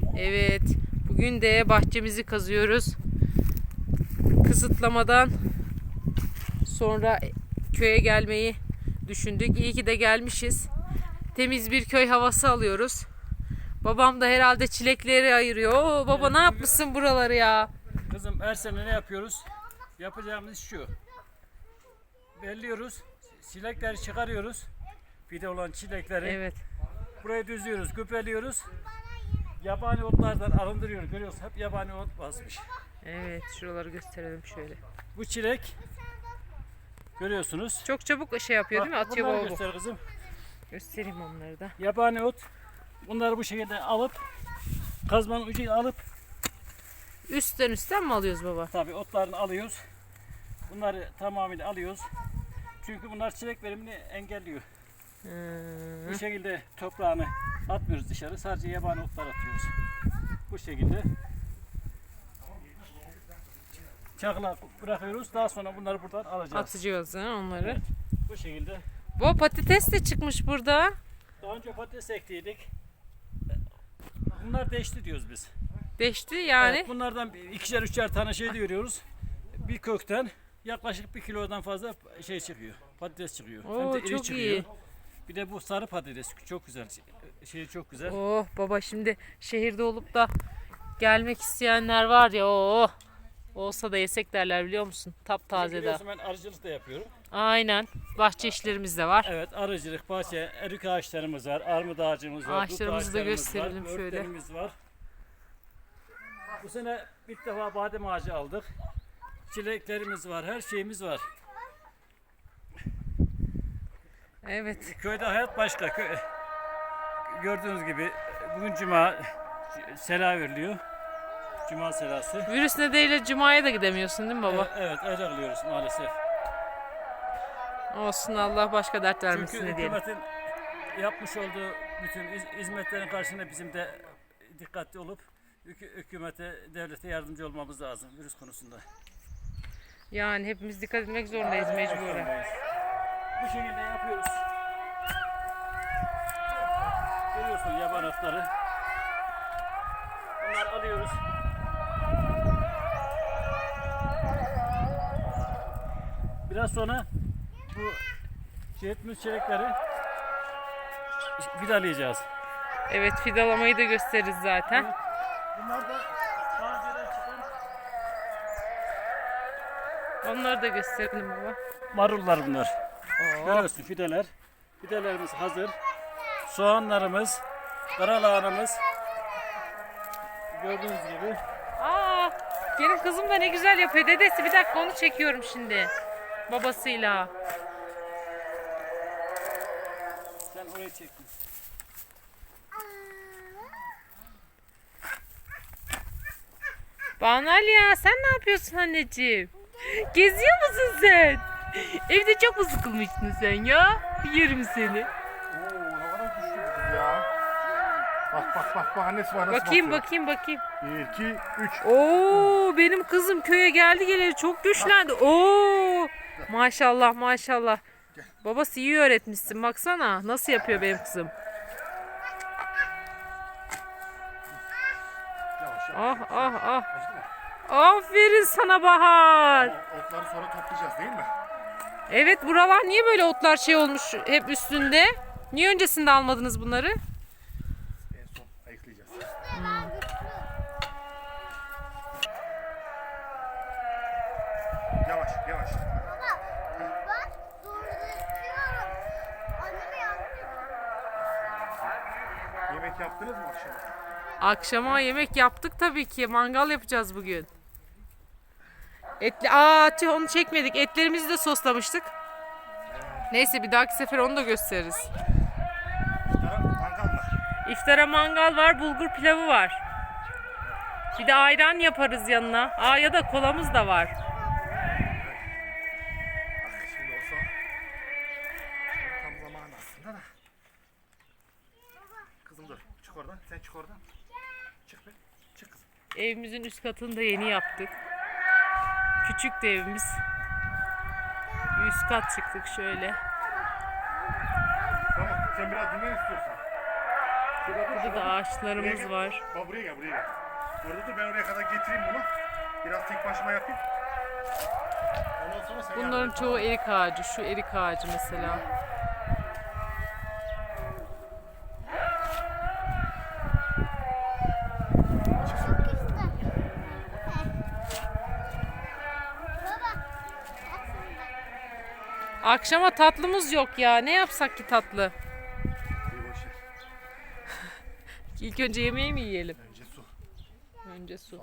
Evet, bugün de bahçemizi kazıyoruz. Kısıtlamadan sonra köye gelmeyi düşündük. İyi ki de gelmişiz. Temiz bir köy havası alıyoruz. Babam da herhalde çilekleri ayırıyor. Oo, baba ne yapmışsın buraları ya? Kızım her sene ne yapıyoruz? Yapacağımız şu. Belliyoruz. Çilekleri çıkarıyoruz. Fide olan çilekleri. Evet. Burayı düzlüyoruz, gübreliyoruz. Yabani otlardan arındırıyoruz. Görüyoruz hep yabani ot basmış. Evet, şuraları gösterelim şöyle. Bu çilek görüyorsunuz. Çok çabuk şey yapıyor değil mi? Atıyor Bunları baba. göster kızım. Göstereyim onları da. Yabani ot. Bunları bu şekilde alıp kazmanın ucuyla alıp Üstten mi alıyoruz baba? tabii otlarını alıyoruz. Bunları tamamıyla alıyoruz. Çünkü bunlar çilek verimini engelliyor. Bu şekilde toprağını atmıyoruz dışarı. Sadece yabani otlar atıyoruz. Bu şekilde çakıla bırakıyoruz. Daha sonra bunları buradan alacağız. Atacağız onları. Evet, bu şekilde. Bu patates de çıkmış burada. Daha önce patates ektiydik. Bunlar değişti diyoruz biz. Değişti yani. Evet, bunlardan ikişer üçer tane şey diyoruz. Bir kökten yaklaşık 1 kilodan fazla şey çıkıyor. Patates çıkıyor. Oo, Hem de iri çok çıkıyor. iyi. Bir de bu sarı patates çok güzel. Şey çok güzel. Oh baba, şimdi şehirde olup da gelmek isteyenler var ya, oh. Olsa da yesek derler, biliyor musun? Taptaze de. Biliyorsun ben arıcılık da yapıyorum. Aynen. Bahçe işlerimiz de var. Evet, arıcılık, bahçe, erik ağaçlarımız var, armut ağacımız var, dut Ağaçlarımızı da ağaçlarımız gösterelim var, şöyle. böğürtlerimiz var. Bu sene ilk defa badem ağacı aldık. Çileklerimiz var, her şeyimiz var. Evet. Köyde hayat başka. Gördüğünüz gibi bugün cuma sela veriliyor. Cuma selası. Virüs nedeniyle cumaya da gidemiyorsun değil mi baba? Evet, öyle kılıyoruz maalesef. Olsun, Allah başka dert vermesin Çünkü ne diyelim. hükümetin yapmış olduğu bütün hizmetlerin karşısında bizim de dikkatli olup hükümete, devlete yardımcı olmamız lazım virüs konusunda. Yani hepimiz dikkat etmek zorundayız mecburen. Bu şekilde yapıyoruz. Görüyorsun yaban otları. Bunları alıyoruz. Biraz sonra bu cihetimiz çelikleri vidalayacağız. Evet, fidalamayı da gösteririz zaten. Evet. Bunlar da daha önceden çıkan Onları da gösterelim baba. marullar bunlar. Oo. Görüyorsun fideler. Fidelerimiz hazır. Soğanlarımız, karalahanamız. Gördüğünüz gibi. Aa, gelin kızım da ne güzel yapıyor. Dedesi, bir dakika, onu çekiyorum şimdi. Babasıyla. Sen orayı çektin. Banal ya, sen ne yapıyorsun anneciğim? Geziyor musun sen? Evde çok mu sıkılmıştın sen ya? Yerim seni. Oo, havadan düştü bu ya. Bak annesi var nasıl Bakayım bakıyor. bakayım. 1, 2, 3. Oo, benim kızım köye geldi geleli çok güçlendi. Oo, maşallah maşallah. Babası iyi öğretmişsin, baksana nasıl yapıyor benim kızım. Yavaş. Ah ah ah. Acıdı mı? Aferin sana Bahar. Otları sonra toplayacağız değil mi? Evet, buralar niye böyle otlar şey olmuş hep üstünde? Niye öncesinde almadınız bunları? En son ayıklayacağız. Yavaş. Bak, doğru istiyorum. Anneme yardım et. Yemek yaptınız mı akşam? Akşama yemek yaptık tabii ki. Mangal yapacağız bugün. Tüh, onu çekmedik. Etlerimizi de soslamıştık. Neyse, bir dahaki sefer onu da gösteririz. Yarın mangal var. İftara mangal var, bulgur pilavı var. Bir de ayran yaparız yanına. Ya da kolamız da var. Şimdi olsa tam zamanı aslında da. Kızım dur. Çık oradan. Sen çık oradan. Çık be. Çık kızım. Evimizin üst katını da yeni yaptık. Küçüktü evimiz. Bir üst kat çıktık şöyle. Tamam. Sen biraz dinlen istiyorsan. Burada da ağaçlarımız var. Bak buraya gel, buraya gel. Orada dur, ben oraya kadar getireyim bunu. Biraz tek başıma yapayım. Ondan sonra sen Bunların yardım et. çoğu erik ağacı. Şu erik ağacı mesela. Çok güzel. Baba. Akşama tatlımız yok ya. Ne yapsak ki tatlı? İyi, boş ver. İlk önce yemeği mi yiyelim? Önce su. Önce su.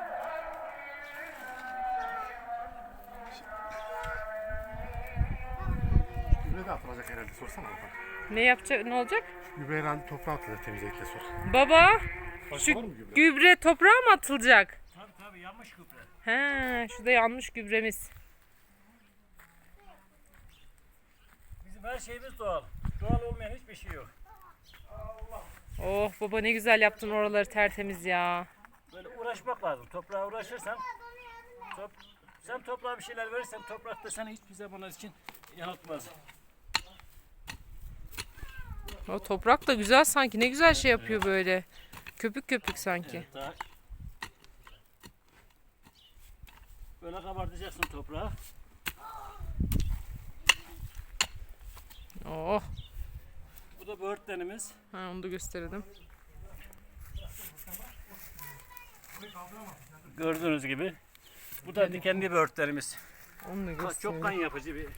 Gübre de atılacak herhalde, sorsana baba. Ne yapacak? Ne olacak? Gübre herhalde toprağa atılacak, temizlikle sor. Baba, Başka şu var mı gübre? gübre toprağa mı atılacak? Tabii yanmış gübre. He, şurada yanmış gübremiz. Bizim her şeyimiz doğal. Doğal olmayan hiçbir şey yok. Oh baba ne güzel yaptın oraları tertemiz ya. Böyle uğraşmak lazım. Toprağa uğraşırsan sen toprağa bir şeyler verirsen toprak da seni hiçbir zaman için yanıltmaz. O toprak da güzel sanki. Ne güzel şey yapıyor böyle. Köpük köpük sanki. Evet, daha böyle kabartacaksın toprağı. Oh. Bu da böğürtlenimiz. Ha, onu da gösterelim. Gördüğünüz gibi. Bu da dikenli böğürtlerimiz. Onu da Çok gösterelim. kan yapıcı bir.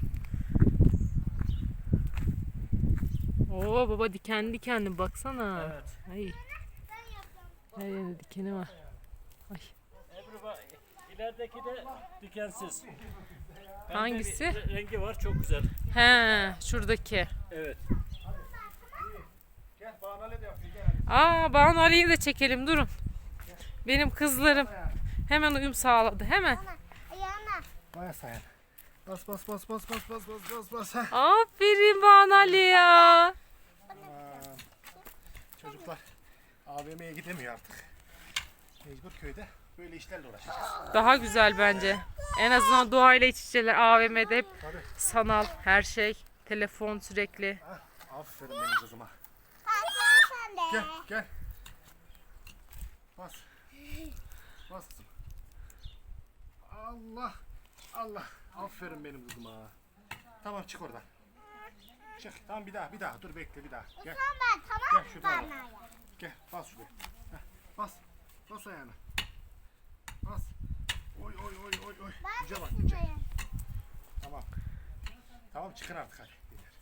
Oo baba dikenli dikenli baksana. Evet. Ay. Her yerinde dikeni var. Ay. Ebru bak, ilerideki de dikensiz. Pembe Hangisi? bir rengi var, çok güzel. He, şuradaki. Evet. Gel, Banale de yapıyor, gel. Aa, Banu Ali'yi de çekelim durun. Benim kızlarım hemen uyum sağladı. Hemen. Ayağına. Baya sayan. Bas bas bas bas bas bas bas bas bas. Heh. Aferin Banu Ali ya. Aman. Çocuklar AVM'ye gidemiyor artık. Mecbur köyde böyle işlerle uğraşacağız. Daha güzel bence. En azından doğayla iç içeler. AVM'de hep Tabii. sanal her şey. Telefon sürekli. Ah, aferin benim kızıma. Sen de. Gel gel. Bas. Bas kızım. Allah. Allah. Aferin benim kızıma. Tamam, çık oradan. Çık. Tamam, bir daha. Dur bekle, bir daha. Gel. Ben tamam Gel mı şuradan. bana ya? Gel, bas şuraya. Heh, bas. Bas ayağına. Bas. Oy oy oy oy oy. Ben Güce de bak, güce. şuraya. Tamam. Tamam, çıkın artık hadi. Yeter.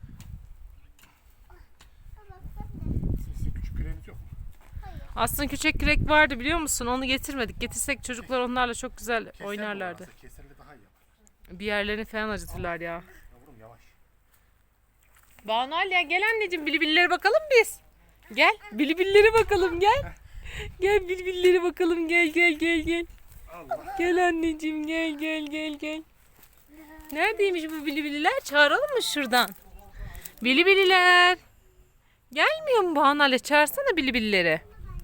Baba sen de. Sizin küçük küreğiniz yok mu? Aslında küçük kürek vardı biliyor musun? Onu getirmedik. Getirsek çocuklar onlarla çok güzel Keser oynarlardı. mi orası? Keserle daha iyi yapar. Bir yerlerini falan acıtırlar ya. Yavrum yavaş. Banu Ali ya gel anneciğim bilibillere bakalım biz. Gel bilibillere bakalım gel. Gel bilibillere bakalım gel gel. Allah. Gel anneciğim gel. Neredeymiş bu bilibililer? Çağıralım mı şuradan? Bilibililer. Gelmiyor mu Banu Ali? Çağırsana bilibilleri.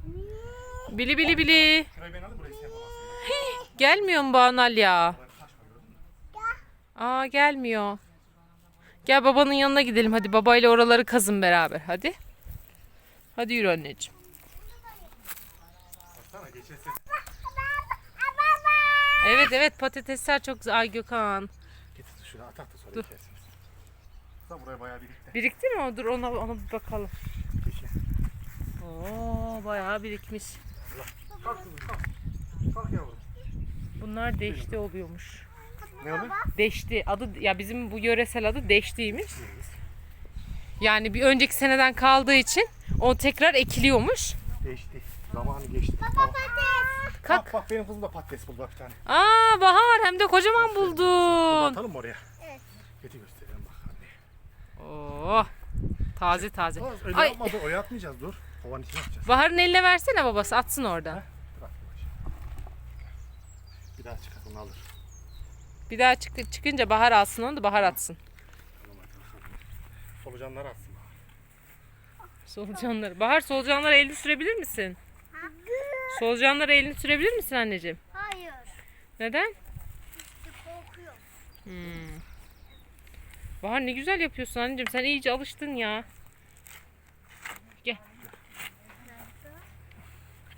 Bili. Şurayı ben alayım, burayı sen yapamazsın. Gelmiyor mu Banu Ali ya? Aa gelmiyor. Gel babanın yanına gidelim hadi babayla oraları kazın beraber hadi. Hadi yürü anneciğim. Baksana, geçen sene Evet patatesler çok güzel. Ay Gökhan. getir şuraya, atak da sonra Dur. kersiniz. Da buraya bayağı birikti. Birikti mi o? Dur ona bir bakalım. Geçen. Oo bayağı birikmiş. Kalk kızım, kalk. Kalk yavrum. Bunlar deşti oluyormuş. Ne oluyor? Deşti. Adı ya bizim bu yöresel adı deştiymiş. Yani bir önceki seneden kaldığı için o tekrar ekiliyormuş. Geçti. Zamanı geçti. Tamam. Kalk. Bak benim kızım da patates buldu bak bir tane. Aa Bahar hem de kocaman Bunu buldun. atalım mı oraya? Evet. Getir gösterelim bak anne. Oo. Taze. Oğuz, öyle Ay. yapma, dur, oya atmayacağız, dur. Kovanın içine atacağız. Bahar'ın eline versene babası atsın oradan. Bırak yavaş. Bir daha çıkar, onu alır. Bir daha çıkınca Bahar alsın onu da Bahar atsın. Tamam, hadi bakalım. Solucanları atsın. Solucanları. Bahar solucanlara elini sürebilir misin? Solucanlara elini sürebilir misin anneciğim? Hayır. Neden? Korkuyorum. Bahar ne güzel yapıyorsun anneciğim. Sen iyice alıştın ya. Gel.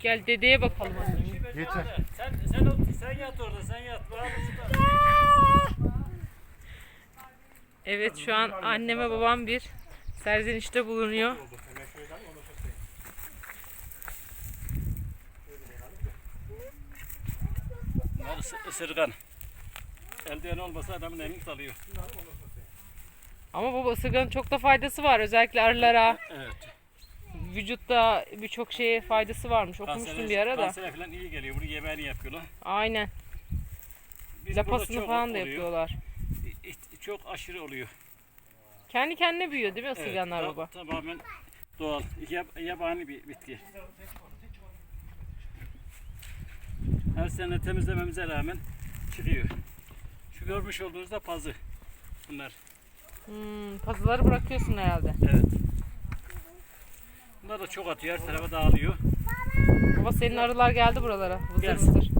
Gel dedeye bakalım. Yeter. Sen yat orada, sen yat. Evet şu an anneme babam bir serzenişte bulunuyor. Bunlar ısırgan. Eldiven olmasa adamın elini alıyor. Ama baba ısırganın çok da faydası var. Özellikle arılara, Evet. vücutta birçok şeye faydası varmış. Okumuştum bir ara da. Kansere falan iyi geliyor. Bunu yemeğini yapıyorlar. Aynen. Biz burada Lapasını çok falan da oluyor. yapıyorlar. Çok aşırı oluyor. Kendi kendine büyüyor değil mi ısırganlar Evet, baba? tamamen doğal. Yabani bir bitki. Her sene temizlememize rağmen çıkıyor. Şu görmüş olduğunuz da pazı. Bunlar. Pazıları bırakıyorsun herhalde. Evet. Bunlar da çok atıyor. Her tarafa dağılıyor. Baba senin arılar geldi buralara. Vızır Gelsin. vızır.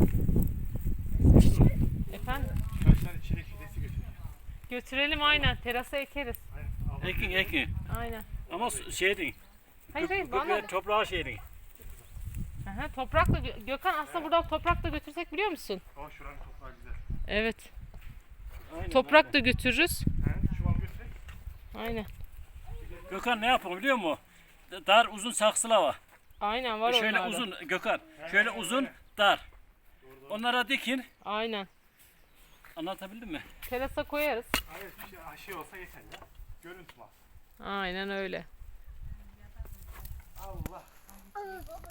Efendim? Kaç tane çilek fidesi götür. Götürelim aynen. Terasa ekeriz. Ekin. Aynen. Ama şey değil. Hayır bana. Toprağı şey değil. Aha, toprakla Gökhan aslında buradan toprakla götürsek biliyor musun? Ama şuranın toprağı güzel. Evet. Aynen, Toprak da götürürüz. He, çuval götürek. Aynen. Gökhan ne yapalım biliyor musun? Dar uzun saksılar var. Aynen var Şöyle onlarda. uzun Gökhan. Şöyle uzun dar. Onlara dikin. Aynen. Anlatabildim mi? Terasa koyarız. Evet, bir şey olsa yeter ya. Görüntü var. Aynen öyle. Allah.